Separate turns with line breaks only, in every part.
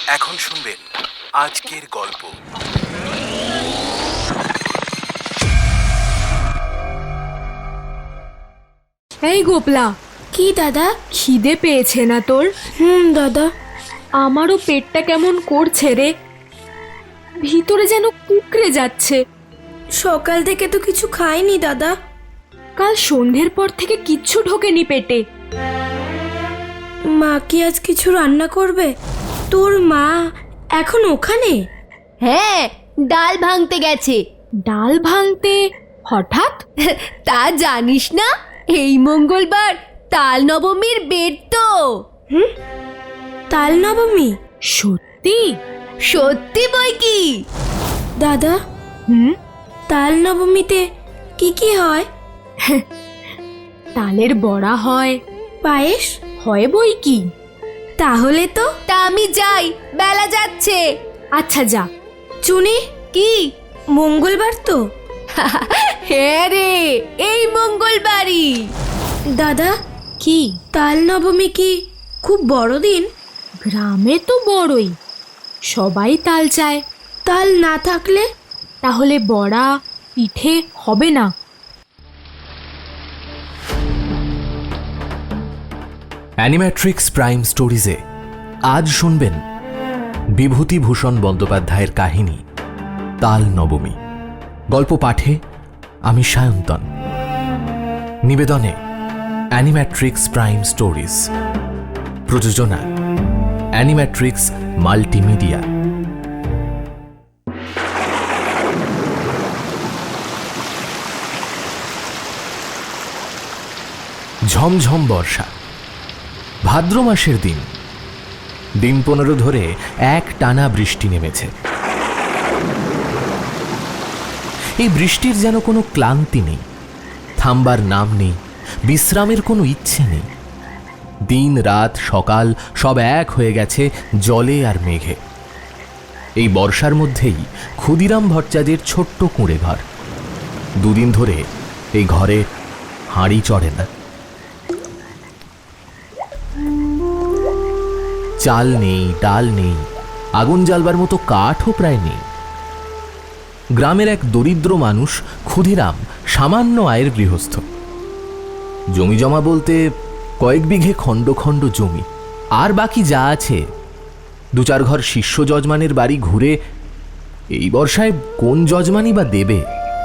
এখন শুনবেন আজকের গল্প।
এই গোপলা,
কি দাদা?
খিদে পেয়েছে না তোর?
দাদা।
আমারও পেটটা কেমন করছে রে, ভিতরে যেন কুকড়ে যাচ্ছে।
সকাল থেকে তো কিছু খাইনি দাদা।
কাল সন্ধ্যের পর থেকে কিচ্ছু ঢোকেনি পেটে।
মা কি আজ কিছু রান্না করবে? তোর মা এখন ওখানে?
হ্যাঁ, ডাল ভাঙতে গেছে।
ডাল ভাঙতে হঠাৎ?
তা জানিস না, এই মঙ্গলবার তাল নবমীর বেদ তো।
তাল নবমী?
সত্যি?
সত্যি বই কি
দাদা, তাল নবমীতে কি কি হয়?
তালের বড়া হয়,
পায়েস
হয় বই কি।
তাহলে তো
তা আমি যাই, বেলা যাচ্ছে।
আচ্ছা যা।
চুনি,
কি?
মঙ্গলবার তো?
হ্যাঁ রে, এই মঙ্গলবারই।
দাদা,
কি?
তাল নবমী কি খুব বড় দিন?
গ্রামে তো বড়ই, সবাই তাল চায়।
তাল না থাকলে?
তাহলে বড়া পিঠে হবে না।
অ্যানিম্যাট্রিক্স প্রাইম স্টোরিজে আজ শুনবেন বিভূতিভূষণ বন্দ্যোপাধ্যায়ের কাহিনী তাল নবমী। গল্প পাঠে আমি সায়ন্তন, নিবেদনে অ্যানিম্যাট্রিক্স প্রাইম স্টোরিজ, প্রযোজনা অ্যানিম্যাট্রিক্স মাল্টিমিডিয়া। ঝমঝম বর্ষা, ভাদ্র মাসের দিন। দিন 15 ধরে এক টানা বৃষ্টি নেমেছে। এই বৃষ্টির যেন কোনো ক্লান্তি নেই, থামবার নাম নেই, বিশ্রামের কোনো ইচ্ছে নেই। দিন রাত সকাল সব এক হয়ে গেছে জলে আর মেঘে। এই বর্ষার মধ্যেই ক্ষুদিরাম ভট্টাচার্যের ছোট্ট কুঁড়ে ঘর। দুদিন ধরে এই ঘরে হাঁড়ি চড়ে না। চাল নেই, ডাল নেই, আগুন জ্বালবার মতো কাঠও প্রায় নেই। গ্রামের এক দরিদ্র মানুষ ক্ষুদিরাম সামান্য আয়ের গৃহস্থ। জমি জমা বলতে কয়েক বিঘে খণ্ড খণ্ড জমি, আর বাকি যা আছে 2-4 ঘর শিষ্য যজমানের বাড়ি ঘুরে এই বর্ষায় কোন যজমানই বা দেবে?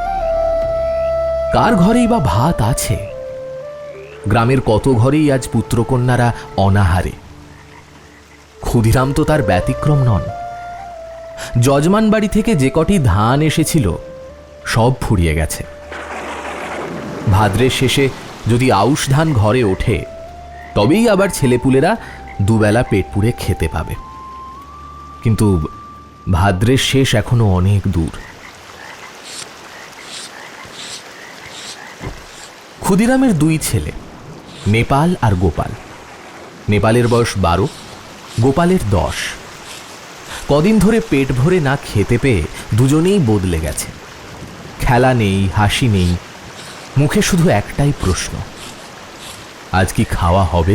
কার ঘরেই বা ভাত আছে? গ্রামের কত ঘরেই আজ পুত্রকন্যারা অনাহারে। ক্ষুদিরাম তো তার ব্যতিক্রম নন। যজমান বাড়ি থেকে যে কটি ধান এসেছিল সব ফুরিয়ে গেছে। ভাদ্রের শেষে যদি আউশ ধান ঘরে ওঠে তবেই আবার ছেলেপুলেরা দুবেলা পেট পুড়ে খেতে পাবে। কিন্তু ভাদ্রের শেষ এখনো অনেক দূর। ক্ষুদিরামের 2 ছেলে, নেপাল আর গোপাল। নেপালের বয়স 12, গোপালের 10। কদিন ধরে পেট ভরে না খেতে পেয়ে দুজনেই বদলে গেছে। খেলা নেই, হাসি নেই, মুখে শুধু একটাই প্রশ্ন, আজ কি খাওয়া হবে?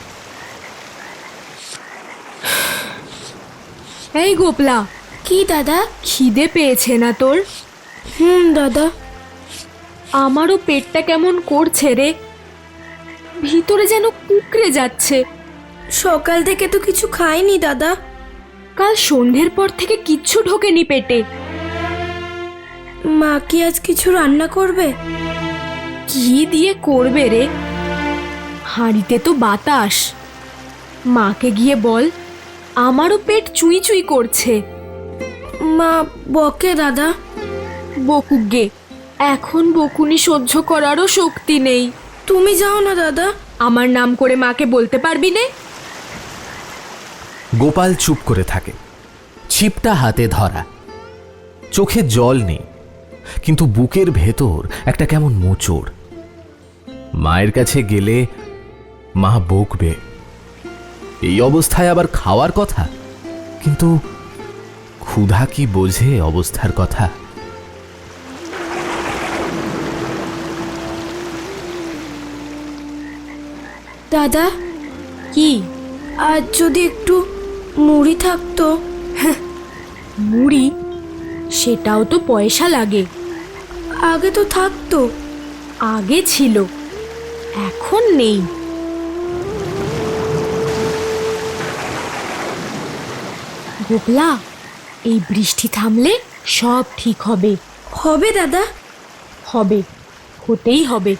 এই গোপলা,
কি দাদা?
খিদে পেয়েছে না তোর?
দাদা।
আমারও পেটটা কেমন করছে রে, ভিতরে যেন কুকড়ে যাচ্ছে।
সকাল থেকে তো কিছু খাইনি দাদা।
কাল সন্ধ্যের পর থেকে কিচ্ছু ঢোকেনি পেটে।
মা কি আজ কিছু রান্না করবে?
কি দিয়ে করবে রে? হাঁড়িতে তো বাতাস। মাকে গিয়ে বল, আমারও পেট চুই চুই করছে।
মা বকে দাদা।
বকুক গে, এখন বকুনি সহ্য করারও শক্তি নেই।
তুমি যাও না দাদা।
আমার নাম করে মাকে বলতে পারবি নে?
গোপাল চুপ করে থাকে, ছিপটা হাতে ধরা। চোখে জল নেই, কিন্তু বুকের ভেতর একটা কেমন মোচড়। মায়ের কাছে গেলে মা বকবে। এই অবস্থায় আবার খাওয়ার কথা, কিন্তু ক্ষুধা কি বোঝে অবস্থার কথা?
দাদা,
কি?
আজ যদি একটু মুড়ি থাকতো।
মুড়ি? সেটাও তো পয়সা লাগে।
আগে তো থাকতো।
আগে ছিল, এখন নেই। গোপলা, এই বৃষ্টি থামলে সব ঠিক হবে।
হবে দাদা?
হবে, হতেই হবে।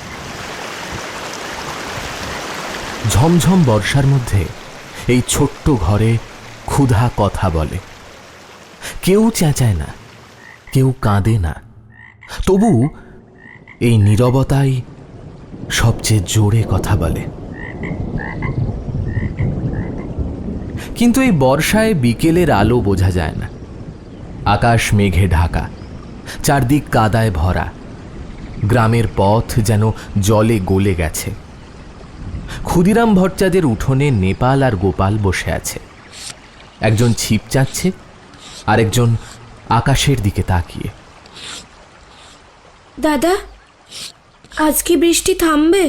ঝমঝম বর্ষার মধ্যে এই ছোট্ট ঘরে ক্ষুধা কথা বলে। কেউ চেঁচায় না, কেউ কাঁদে না, তবু এই নীরবতাই সবচেয়ে জোরে কথা বলে। কিন্তু এই বর্ষায় বিকেলের আলো বোঝা যায় না। আকাশ মেঘে ঢাকা, চারদিক কাদায় ভরা, গ্রামের পথ যেন জলে গলে গেছে। ক্ষুদিরাম ভট্টাচার্যের উঠোনে নেপাল আর গোপাল বসে আছে। একজন ছিপ চাচ্ছে, আরেকজন আকাশের দিকে তাকিয়ে।
দাদা, আজ কি বৃষ্টি থামবে?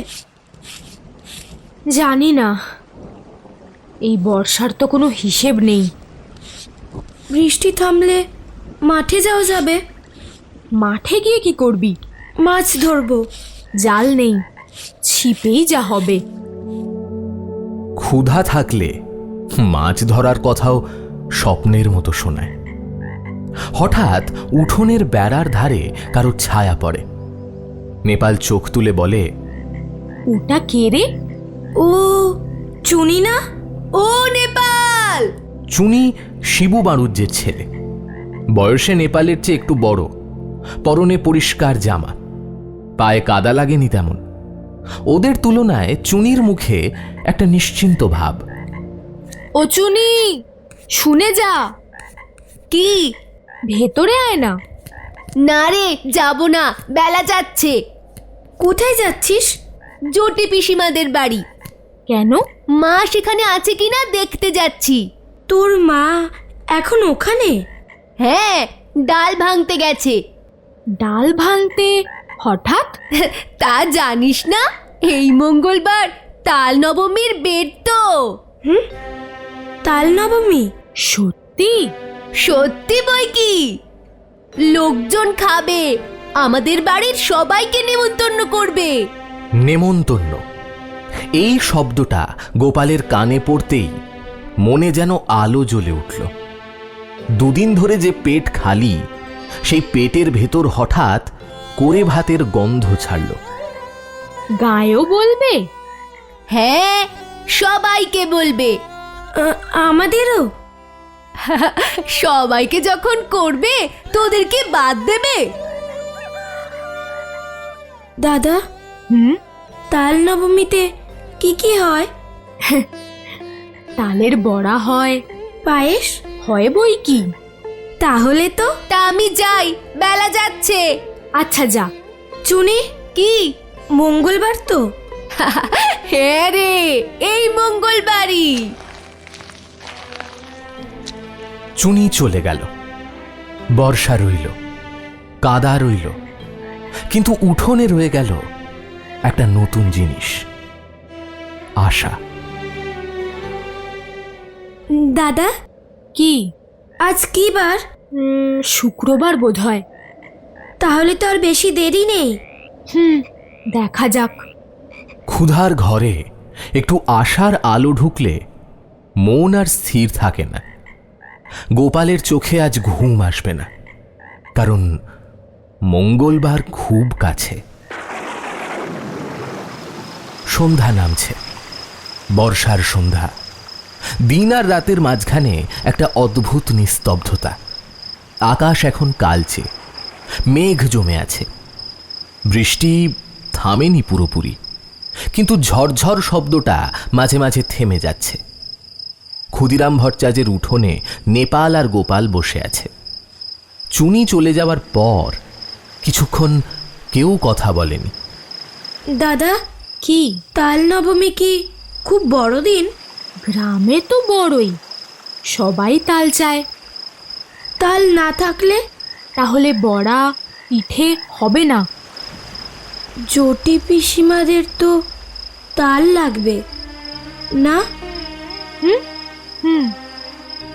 জানি না, এই বর্ষার তো কোনো হিসেব নেই।
বৃষ্টি থামলে মাঠে যাওয়া যাবে।
মাঠে গিয়ে কি করবি?
মাছ ধরবো।
জাল নেই, ছিপেই যা হবে।
ক্ষুধা থাকলে মাছ ধরার কথাও স্বপ্নের মতো শোনায়। হঠাৎ উঠোনের বেড়ার ধারে কারো ছায়া পড়ে। নেপাল চোখ তুলে বলে,
ওটা কে রে?
ও চুনি না?
ও নেপাল!
চুনি শিবু বাড়ুজ্যের ছেলে। বয়সে নেপালের চেয়ে একটু বড়, পরনে পরিষ্কার জামা, পায়ে কাদা লাগেনি তেমন। ওদের তুলনায় চুনির মুখে একটা নিশ্চিন্ত ভাব।
ও চুনি, শুনে যা।
কি?
ভেতরে আয় না।
না রে, যাব না, বেলা যাচ্ছে।
কোথায় যাচ্ছিস?
জটি পিসিমাদের বাড়ি।
কেন?
মা সেখানে আছে কিনা দেখতে যাচ্ছি।
তোর মা এখন ওখানে?
হ্যাঁ, ডাল ভাঙতে গেছে।
ডাল ভাঙতে হঠাৎ?
তা জানিস না, এই মঙ্গলবার তাল নবমীর বেদ তো।
তাল নবমী?
সত্যি?
সত্যি বই কি, লোকজন খাবে, আমাদের বাড়ির সবাইকে নেমন্তন্ন করবে।
নেমন্তন্ন, এই শব্দটা গোপালের কানে পড়তেই মনে যেন আলো জ্বলে উঠল। দুদিন ধরে যে পেট খালি, সেই পেটের ভেতর হঠাৎ করে ভাতের গন্ধ ছাড়ল।
গায়েও বলবে?
হ্যাঁ, সবাইকে বলবে।
আমাদেরও?
সবাইকে যখন করবে, তোদেরকে বাদ দেবে?
দাদা, তাল নবমীতে কি কি হয়?
তালের বড়া হয়,
পায়েস
হয় বই কি।
তাহলে তো
তা আমি যাই, বেলা যাচ্ছে।
আচ্ছা যা।
চুনি,
কি?
মঙ্গলবার তো?
হ্যাঁ রে, এই মঙ্গলবারই।
চুনি চলে গেল। বর্ষা রইল, কাদা রইল, কিন্তু উঠোনে রয়ে গেল একটা নতুন জিনিস, আশা।
দাদা,
কি?
আজ কি বার?
শুক্রবার বোধহয়।
তাহলে তো আর বেশি দেরি নেই।
দেখা যাক।
ক্ষুধার ঘরে একটু আশার আলো ঢুকলে মন আর স্থির থাকে না। গোপালের চোখে আজ ঘুম আসবে না, কারণ মঙ্গলবার খুব কাছে। সন্ধ্যা নামছে, বর্ষার সন্ধ্যা। দিন আর রাতের মাঝখানে একটা অদ্ভুত নিস্তব্ধতা। আকাশ এখন কালচে, মেঘ জমে আছে। বৃষ্টি থামেনি পুরোপুরি, কিন্তু ঝরঝর শব্দটা মাঝে মাঝে থেমে যাচ্ছে। ক্ষুদিরাম ভট্টাচার্যের উঠোনে নেপাল আর গোপাল বসে আছে। চুনি চলে যাওয়ার পর কিছুক্ষণ কেউ কথা বলেনি।
দাদা,
কি?
তাল নবমী কি খুব বড় দিন?
গ্রামে তো বড়ই, সবাই তাল চায়।
তাল না থাকলে?
তাহলে বড়া পিঠে হবে না।
জটি পিসিমাদের তো তাল লাগবে না?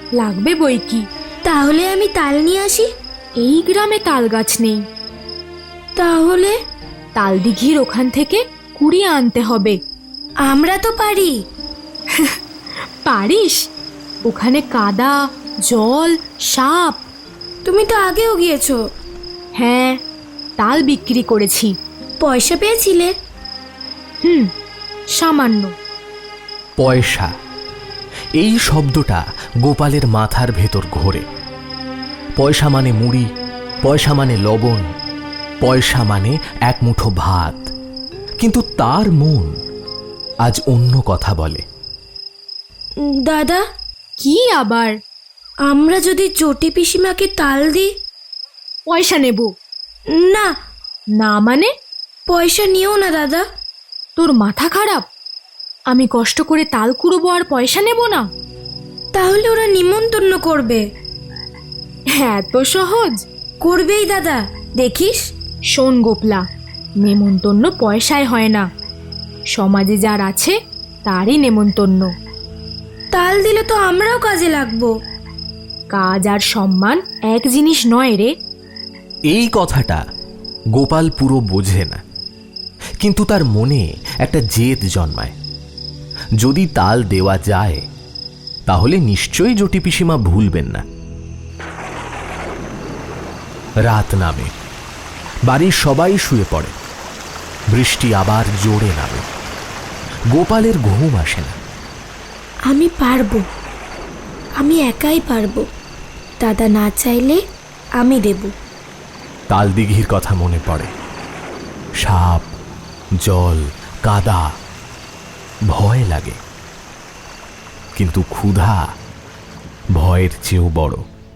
লাগবে বই কি।
তাহলে আমি তাল নিয়ে আসি।
এই গ্রামে তাল গাছ নেই।
তাহলে
তাল দিঘির ওখান থেকে কুড়িয়ে আনতে হবে।
আমরা তো পারি।
পারিস? ওখানে কাদা, জল, সাপ।
তুমি তো আগেও গিয়েছো।
হ্যাঁ, তাল বিক্রি করেছি।
পয়সা পেয়েছিলে?
সামান্য।
পয়সা, এই শব্দটা গোপালের মাথার ভেতর ঘোরে। পয়সা মানে মুড়ি, পয়সা মানে লবণ, পয়সা মানে এক মুঠো ভাত। কিন্তু তার মন আজ অন্য কথা বলে।
দাদা,
কি আবার?
আমরা যদি চটি পিসিমাকে তাল দিই?
পয়সা নেব
না।
না মানে?
পয়সা নিও না দাদা।
তোর মাথা খারাপ? আমি কষ্ট করে তাল কুড়োবো আর পয়সা নেব না?
তাহলে ওরা নিমন্ত্রণ করবে।
এত সহজ?
করবেই দাদা, দেখিস।
শোন গোপলা, নেমন্তন্ন পয়সায় হয় না। সমাজে যার আছে তারই নেমন্তন্ন।
তাল দিলে তো আমরাও কাজে লাগবো।
কাজ আর সম্মান এক জিনিস নয় রে।
এই কথাটা গোপাল পুরো বোঝে না, কিন্তু তার মনে একটা জেদ জন্মায়। যদি তাল দেওয়া যায় তাহলে নিশ্চয়ই জটি পিসিমা ভুলবেন না। রাত নামে, বাড়ির সবাই শুয়ে পড়ে। বৃষ্টি আবার জোরে নামে। গোপালের ঘুম আসে না।
আমি পারবো, আমি একাই পারবো। দাদা না চাইলে আমি দেব।
তাল দিঘির কথা মনে পড়ে। সাপ, জল, কাদা। ভয় লাগে, কিন্তু ক্ষুধা ভয়ের চেয়েও বড়।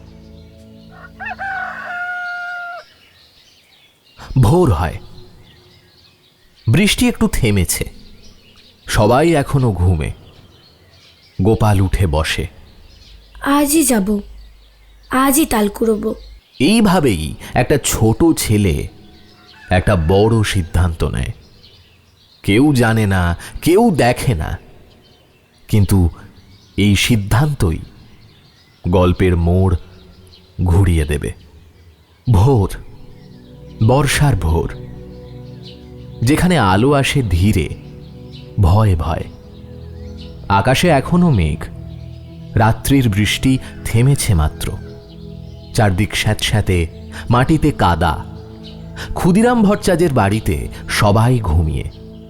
ভোর হয়, বৃষ্টি একটু থেমেছে। সবাই এখনো ঘুমে। গোপাল উঠে বসে।
আজই যাব, আজই তাল কুড়োবো।
এইভাবেই একটা ছোট ছেলে একটা বড় সিদ্ধান্ত নেয়। কেউ জানে না, কেউ দেখে না, কিন্তু এই সিদ্ধান্তই গল্পের মোড় ঘুরিয়ে দেবে। ভোর, বর্ষার ভোর, যেখানে আলো আসে ধীরে, ভয়ে ভয়ে। আকাশে এখনো মেঘ। রাত্রির বৃষ্টি থেমেছে মাত্র। চারদিক স্যাঁতস্যাঁতে, মাটিতে কাদা। ক্ষুদিরাম ভট্টাচার্যের বাড়িতে সবাই ঘুমিয়ে।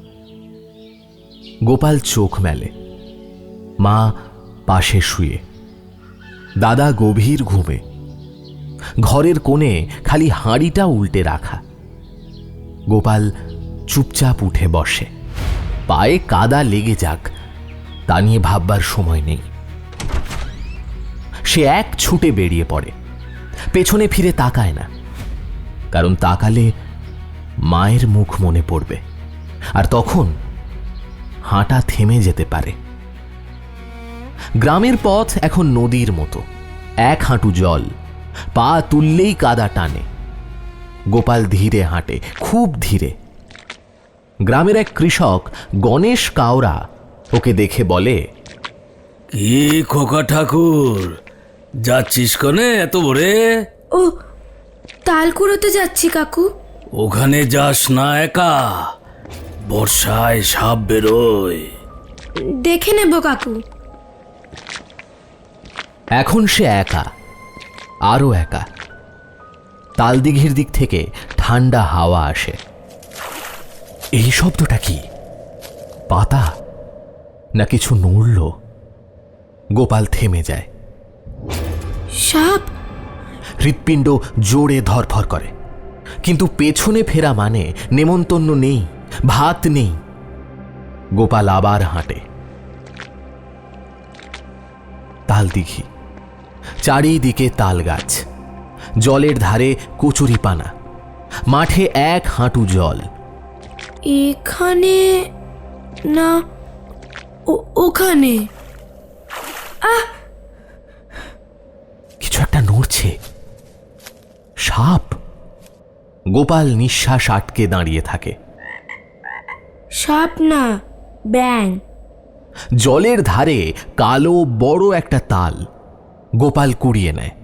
গোপাল চোখ মেলে। মা পাশে শুয়ে, দাদা গভীর ঘুমে। ঘরের কোণে খালি হাঁড়িটা উল্টে রাখা। গোপাল চুপচাপ উঠে বসে। পায়ে কাদা লেগে যাক তা নিয়ে ভাববার সময় নেই। সে এক ছুটে বেরিয়ে পড়ে। পেছনে ফিরে তাকায় না, কারণ তাকালে মায়ের মুখ মনে পড়বে, আর তখন হাঁটা থেমে যেতে পারে। গ্রামের পথ এখন নদীর মতো, এক হাঁটু জল। পা তুললেই কাদা টানে। গোপাল ধীরে হাঁটে, খুব ধীরে। গ্রামের এক কৃষক গণেশ কাওরা ওকে দেখে বলে,
কি খোকা ঠাকুর, যাচ্ছিস কনে এত ভোরে?
ও, তাল কুড়োতে যাচ্ছি কাকু।
ওখানে যাস না একা, বর্ষায় সাপ বেরোয়।
দেখে নেব কাকু।
এখন সে একা, আরো একা। তালদিঘির দিক থেকে ঠান্ডা হাওয়া আসে। এই শব্দটা কি? পাতা না কিছু নড়ল? গোপাল থেমে যায়।
সাপ!
হৃৎপিণ্ড জোরে ধরফর করে, কিন্তু পেছনে ফেরা মানে নেমন্তন্ন নেই, ভাত নেই। গোপাল আবার হাঁটে। তালদিঘি, চারিদিকে তাল গাছ, জলের ধারে কচুরিপানা, মাঠে এক হাঁটু জল।
এখানে না ওখানে।
কিছু একটা নড়ছে। সাপ। গোপাল নিঃশ্বাস আটকে দাঁড়িয়ে থাকে।
সাপ না, ব্যাঙ।
জলের ধারে কালো বড় একটা তাল, গোপাল কুড়িয়ে নেয়।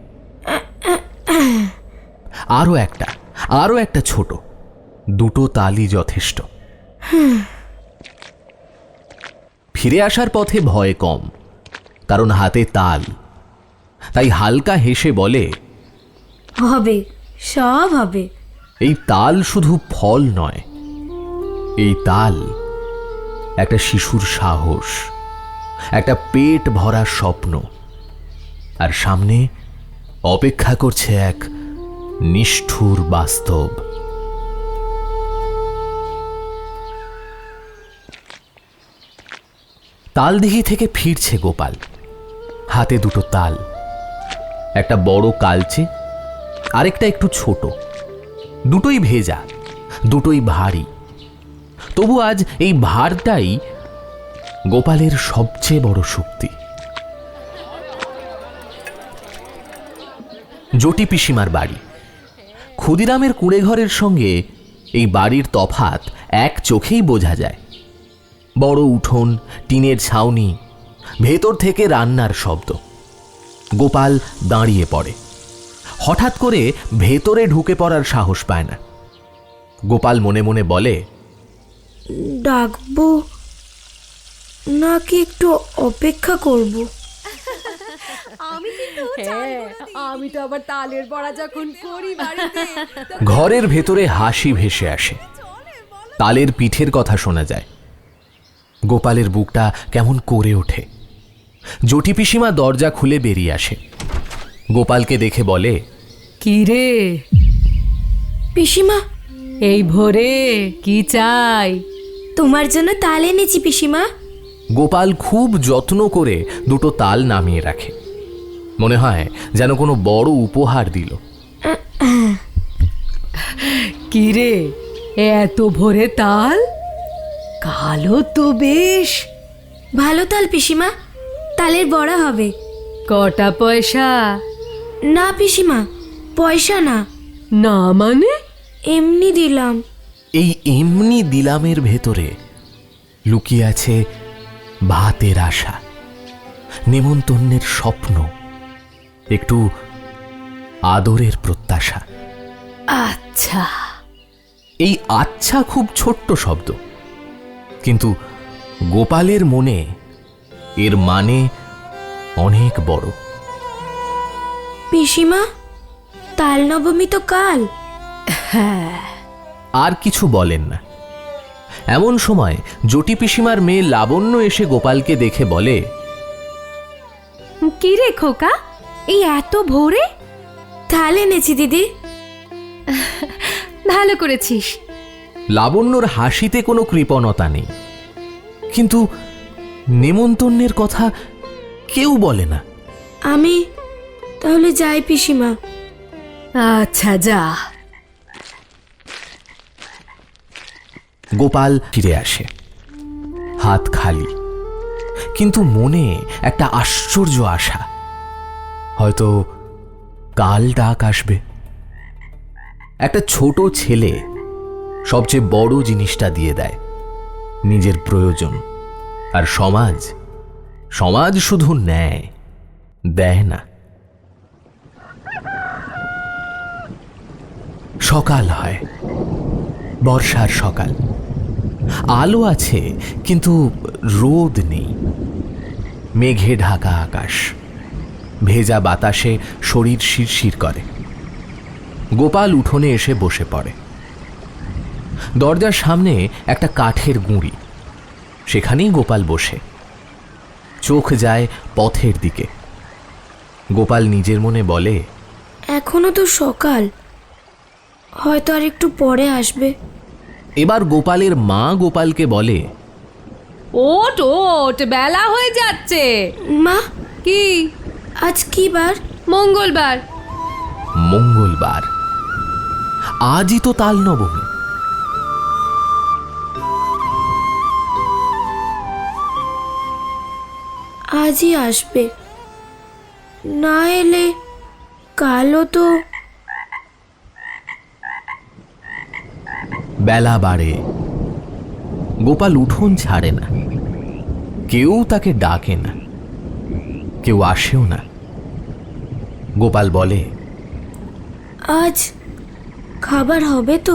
আরো একটা ছোট, দুটো তালই যথেষ্ট। ফিরে আসার পথে ভয় কম, কারণ হাতে তাল। তাই হালকা হেসে বলে,
হবে, সব হবে।
এই তাল শুধু ফল নয়, এই তাল একটা শিশুর সাহস, একটা পেট ভরা স্বপ্ন, আর সামনে অপেক্ষা করছে এক নিষ্ঠুর বাস্তব। তালদিঘি থেকে ফিরছে গোপাল, হাতে দুটো তাল, একটা বড় কালচে, আরেকটা একটু ছোট। দুটোই ভেজা, দুটোই ভারী। তবু আজ এই ভারটাই গোপালের সবচেয়ে বড় শক্তি। জটি পিসিমার বাড়ি। ক্ষুদিরামের কুঁড়েঘরের সঙ্গে এই বাড়ির তফাত এক চোখেই বোঝা যায়। বড় উঠোন, টিনের ছাউনি, ভেতর থেকে রান্নার শব্দ। গোপাল দাঁড়িয়ে পড়ে। হঠাৎ করে ভেতরে ঢুকে পড়ার সাহস পায় না। গোপাল মনে মনে বলে,
ডাকবো নাকি একটু অপেক্ষা করব?
আমি তো আবার তালের বড়া যখন করি বাড়িতে,
ঘরের ভেতরে হাসি ভেসে আসে। তালের পিঠের কথা শোনা যায়। গোপালের বুকটা কেমন করে ওঠে। জটি পিসিমা দরজা খুলে বেরিয়ে আসে। গোপালকে দেখে বলে,
কি রে
পিসিমা,
এই ভোরে কি চাই?
তোমার জন্য তাল এনেছি পিসিমা।
গোপাল খুব যত্ন করে দুটো তাল নামিয়ে রাখে। মনে হয় যেন কোনো বড় উপহার দিল।
কি রে, এত ভোরে তাল? কালো তো বেশ।
ভালো তাল পিসিমা, তালের বড়া হবে।
কটা পয়সা?
না পিসিমা, পয়সা না।
না মানে?
এমনি দিলাম।
এই এমনি দিলামের ভেতরে লুকিয়ে আছে ভাতের আশা, নেমন্তন্নের স্বপ্ন, একটু আদরের প্রত্যাশা।
আচ্ছা।
এই আচ্ছা খুব ছোট্ট শব্দ, কিন্তু গোপালের মনে এর মানে অনেক বড়।
পিসিমা, তাল নবমী তো কাল।
আর কিছু বলেন না। এমন সময় জটি পিসিমার মেয়ে লাবণ্য এসে গোপালকে দেখে বলে,
কি রে খোকা, এই এত ভোরে?
তাল এনেছি দিদি।
ভালো করেছিস।
লাবণ্যর হাসিতে কোনো কৃপণতা নেই, কিন্তু নেমন্তন্নের কথা কেউ বলে না।
আমি তাহলে যাই পিসিমা।
আচ্ছা যা।
গোপাল ফিরে আসে, হাত খালি, কিন্তু মনে একটা আশ্চর্য আশা, হয়তো কাল ডাক আসবে। একটা ছোট ছেলে সবচেয়ে বড় জিনিসটা দিয়ে দেয়, নিজের প্রয়োজন। আর সমাজ শুধু নেয়, দেয় না। সকাল হয়, বর্ষার সকাল। আলো আছে, কিন্তু রোদ নেই। মেঘে ঢাকা আকাশ, ভেজা বাতাসে শরীর শিরশির করে। গোপাল উঠোনে এসে বসে পড়ে। দরজার সামনে একটা কাঠের গুঁড়ি, সেখানেই গোপাল বসে। চোখ যায় পথের দিকে। গোপাল নিজের মনে বলে,
এখনো তো সকাল, হয়তো আর একটু পরে আসবে।
এবার গোপালের মা গোপালকে বলে,
ওট ওট, বেলা হয়ে যাচ্ছে।
মা,
কি?
আজ কি বার?
মঙ্গলবার।
মঙ্গলবার? আজই তো তাল নবমী।
আজই আসবে, না এলে কালও তো।
বেলা বাড়ে, গোপাল উঠোন ছাড়ে না। কেউ তাকে ডাকে না, কেউ আসেও না। গোপাল বলে,
আজ খাবার হবে তো?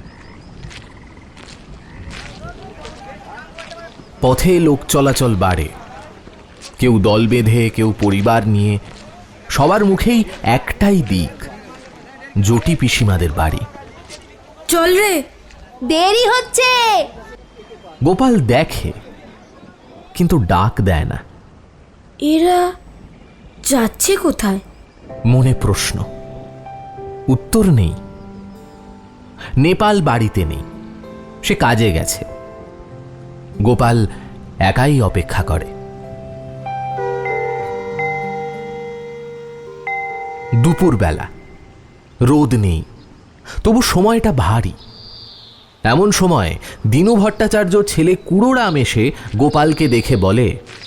পথে লোক চলাচল বাড়ে, কেউ দল বেঁধে, কেউ পরিবার নিয়ে। সবার মুখেই একটাই দিক, জটি পিসিমাদের বাড়ি।
চল রে।
দেরি হচ্ছে।
গোপাল দেখে, কিন্তু ডাক দেয় না।
এরা যাচ্ছে কোথায়?
মনে প্রশ্ন, উত্তর নেই। নেপাল বাড়িতে নেই, সে কাজে গেছে। গোপাল একাই অপেক্ষা করে। দুপুরবেলা, রোদ নেই, তবু সময়টা ভারী। এমন সময় দীনু ভট্টাচার্য ছেলে কুড়োরাম এসে গোপালকে দেখে বলে,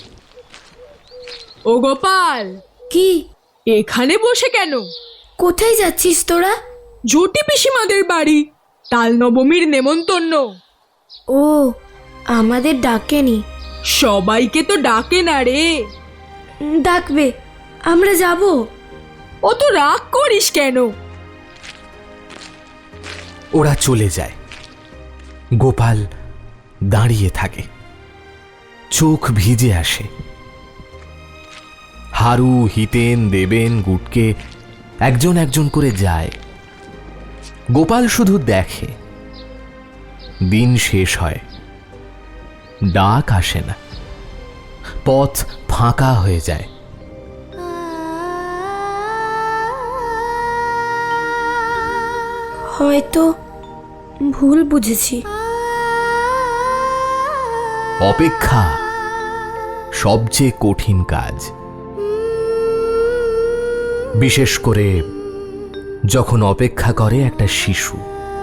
ও গোপাল,
কি?
এখানে বসে কেন?
কোথায় যাচ্ছিস তোরা?
জটি পিসিমাদের বাড়ি, তাল নবমীর নেমন্তন্ন।
ও, আমাদের ডাকেনি।
সবাইকে তো ডাকে না রে।
ডাকবে, আমরা যাব।
অত রাগ করিস কেন?
ওরা চলে যায়। গোপাল দাঁড়িয়ে থাকে, চোখ ভিজে আসে। হারু, হিতেন, দেবেন, গুটকে একজন একজন করে যায়। গোপাল শুধু দেখে। দিন শেষ হয়, ডাক আসে না, পথ ফাঁকা হয়ে যায়।
হয়তো ভুল বুঝেছি।
অপেক্ষা সবচেয়ে কঠিন কাজ, বিশেষ করে যখন অপেক্ষা করে একটা শিশু।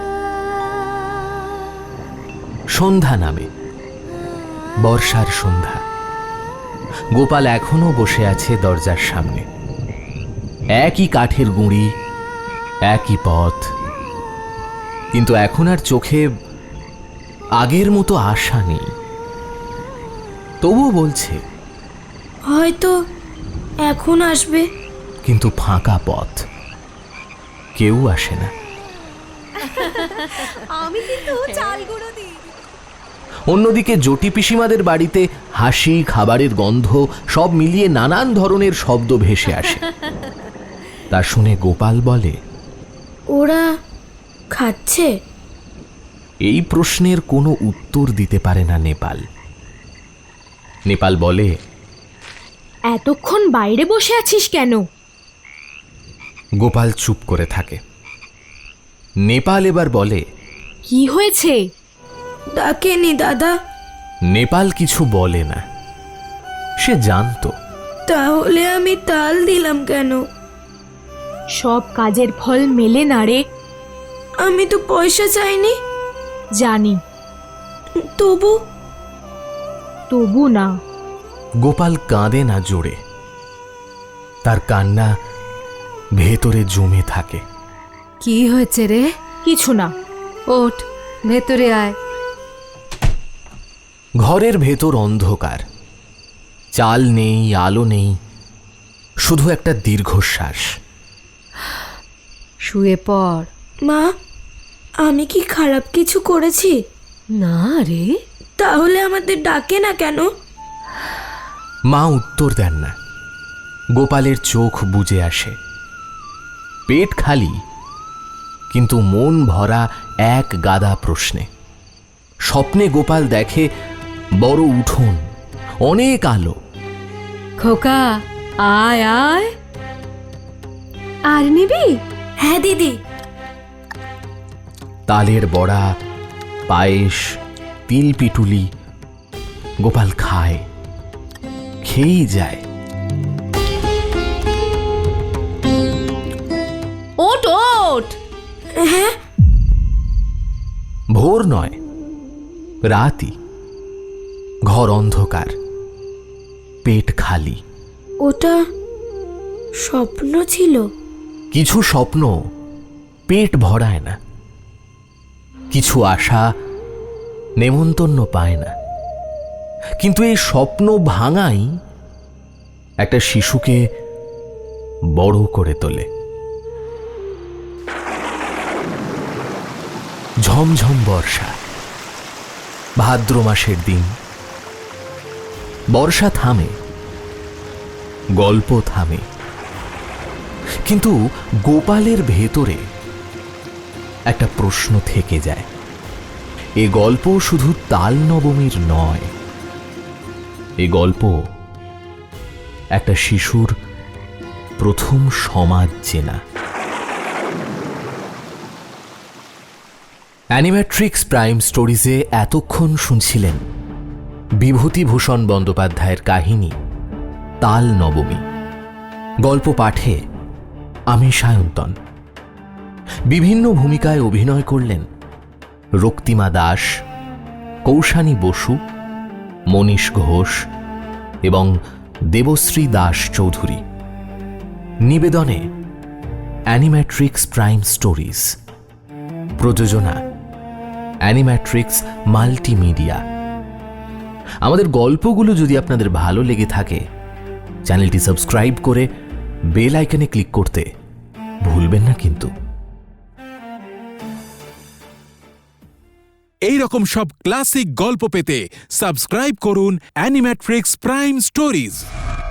সন্ধ্যা নামে, বর্ষার সন্ধ্যা। গোপাল এখনো বসে আছে দরজার সামনে। একই কাঠের গুঁড়ি, একই পথ, কিন্তু এখন আর চোখে আগের মতো আশা নেই। তবুও বলছে,
হয়তো এখন আসবে।
কিন্তু ফাঁকা পথ, কেউ আসে না।
আমি কিন্তু চাল গুঁড়ো দিই।
অন্যদিকে জটি পিসিমাদের বাড়িতে হাসি, খাবারের গন্ধ সব মিলিয়ে নানান ধরনের শব্দ ভেসে আসে। তা শুনে গোপাল বলে,
ওরা খাচ্ছে?
এই প্রশ্নের কোনো উত্তর দিতে পারে না নেপাল। নেপাল বলে,
এতক্ষণ বাইরে বসে আছিস কেন?
গোপাল চুপ করে থাকে। নেপাল এবার বলে,
কি হয়েছে?
ডাকেনি দাদা?
নেপাল কিছু বলে না, সে জানতো।
তাহলে আমি তাল দিলাম কেন?
সব কাজের ফল মেলে না রে।
আমি তো পয়সা চাইনি।
জানি, তবু না।
গোপাল কাঁদে না জোরে, তার কান্না ভেতরে জমে থাকে।
কি হয়েছে রে?
কিছু না।
ওঠ, ভেতরে আয়।
ঘরের ভেতর অন্ধকার, চাল নেই, আলো নেই, শুধু একটা দীর্ঘশ্বাস।
শুয়ে পড়।
মা, আমি কি খারাপ কিছু করেছি?
না রে।
তাহলে আমাদের ডাকে না কেন?
মা উত্তর দেন না। গোপালের চোখ বুজে আসে। পেট খালি, কিন্তু মন ভরা এক গাদা প্রশ্নে। স্বপ্নে গোপাল দেখে বড় উঠোন, অনেক আলো।
খোকা, আয় আয়। আর নিবি?
হ্যাঁ দিদি।
তালের বড়া, পায়েস, তিল পিটুলি। গোপাল খায়, খেয়েই যায়।
ওঠ ওঠ।
হ্যাঁ,
ভোর নয়, রাতই। ঘর অন্ধকার, পেট খালি।
ওটা স্বপ্ন ছিল?
কিছু স্বপ্ন পেট ভরায় না, কিছু আশা নেমন্তন্ন পায় না। কিন্তু এই স্বপ্ন ভাঙাই একটা শিশুকে বড় করে তোলে। ঝমঝম বর্ষা, ভাদ্র মাসের দিন। বর্ষা থামে, গল্প থামে, কিন্তু গোপালের ভেতরে একটা প্রশ্ন থেকে যায়। এ গল্প শুধু তাল নবমীর নয়, এ গল্প একটা শিশুর প্রথম সমাজ চেনা। অ্যানিম্যাট্রিক্স প্রাইম স্টোরিজে এতক্ষণ শুনছিলেন বিভূতিভূষণ বন্দ্যোপাধ্যায়ের কাহিনী তাল নবমী। গল্প পাঠে আমি সায়ন্তন। বিভিন্ন ভূমিকায় অভিনয় করলেন রক্তিমা দাস, কৌশানী বসু, মনীষ ঘোষ এবং দেবশ্রী দাস চৌধুরী। নিবেদনে অ্যানিম্যাট্রিক্স প্রাইম স্টোরিজ। প্রযোজনা অ্যানিম্যাট্রিক্স মাল্টিমিডিয়া। আমাদের গল্পগুলো যদি আপনাদের ভালো লেগে থাকে, চ্যানেলটি সাবস্ক্রাইব করে বেল আইকনে ক্লিক করতে ভুলবেন না কিন্তু।
এই রকম সব ক্লাসিক গল্প পেতে সাবস্ক্রাইব করুন অ্যানিম্যাট্রিক্স প্রাইম স্টোরিজ।